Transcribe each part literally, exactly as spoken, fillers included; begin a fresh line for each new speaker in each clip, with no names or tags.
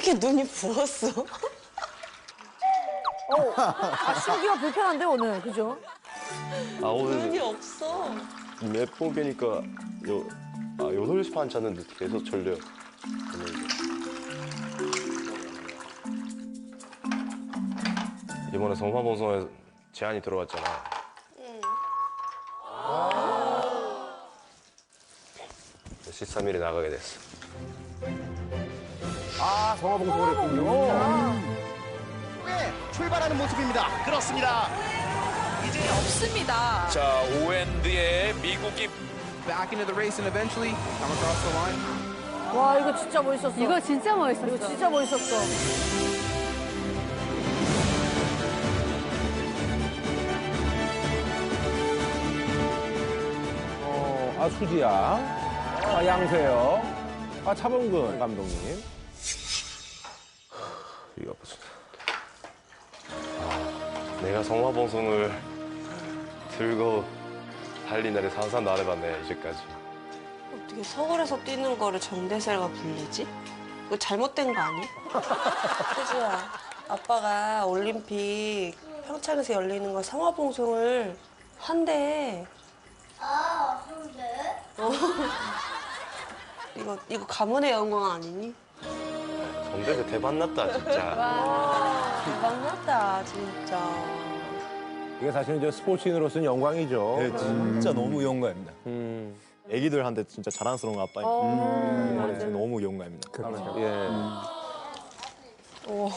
이렇게 눈이 부었어?
어, 아, 신기가 불편한데 오늘, 그죠?
아 오늘
눈이 없어.
몇 번 깨니까 요, 아 여덟 시 반 잤는데 계속 졸려요. 이번에 성화방송에 제안이 들어왔잖아.
응.
십삼 일에 나가게 됐어.
아, 성화봉송을 했군요.
네, 출발하는 모습입니다. 그렇습니다. 이제
없습니다.
자, 오엔드의 미국이
back into the race and eventually come across the line.
와, 이거 진짜 멋있었어.
이거 진짜 멋있었어.
이거 진짜 멋있었어.
어, 아, 수지양. 아, 양세형. 아, 차범근 감독님.
이거 아프다. 아, 내가 성화방송을 들고 달린 날에 상상도 안 해봤네, 이제까지.
어떻게 서울에서 뛰는 거를 정대셀과 불리지? 이거 잘못된 거 아니? 수지야, 아빠가 올림픽 평창에서 열리는 거 성화봉송을 한대.
아, 그런데?
어. 이거, 이거 가문의 영광 아니니?
정대세 대박났다, 진짜.
대박났다, 진짜.
이게 사실은 저 스포츠인으로서는 영광이죠.
네, 진짜 너무 영광입니다.
음,
애기들한테 진짜 자랑스러운 아빠입니다.
어,
음, 진짜 너무 영광입니다.
예.
오.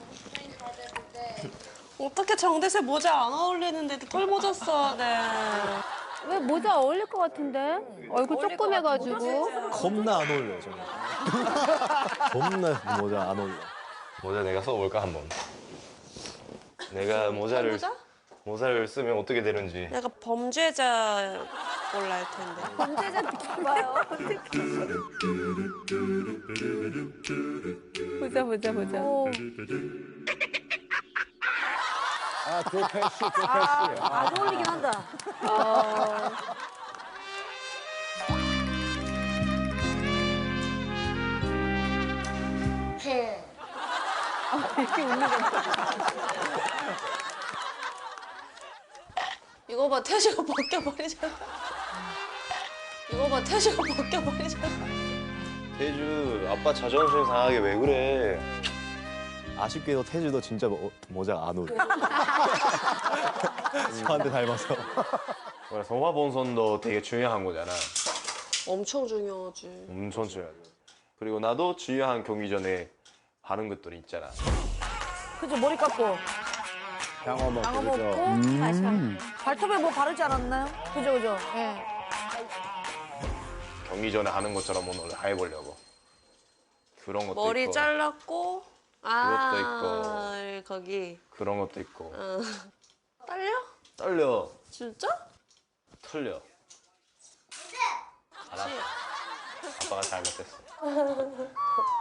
어떻게 정대세 모자 안 어울리는데도 털모자 써야 돼.
왜 모자 어울릴 것 같은데? 얼굴 조그매가지고.
겁나 안 어울려요, 저는. 겁나 모자 안 어울려.
모자 내가 써볼까, 한번. 내가 모자를,
모자?
모자를 쓰면 어떻게 되는지.
내가 범죄자 걸로 알 텐데.
범죄자 느낌 봐요. 보자, 보자, 보자.
어,
아, 조패시, 조패시. 아,
안 어울리긴 한다.
어, 이렇게 웃는 거.
이거 봐, 태주가 벗겨버리잖아. 이거 봐, 태주가 벗겨버리잖아.
태주, 아빠 자존심 상하게 왜 그래?
아쉽게도 태주도 진짜 모, 모자 안 어울려. 저한테 닮아서.
성화봉송도 되게 중요한 거잖아.
엄청 중요하지.
엄청 중요하죠. 그리고 나도 중요한 경기 전에 하는 것들이 있잖아.
그죠, 머리 감고.
장어 먹고,
장어
그죠.
먹고, 다시 발톱에 뭐 바르지 않았나요? 그죠, 그죠. 예.
경기 전에 하는 것처럼 오늘 해보려고. 그런 것도
머리
있고.
잘랐고, 아, 거기.
그런 것도 있고.
어. 떨려?
떨려.
진짜?
틀려. 알았어. 아빠가 잘못했어.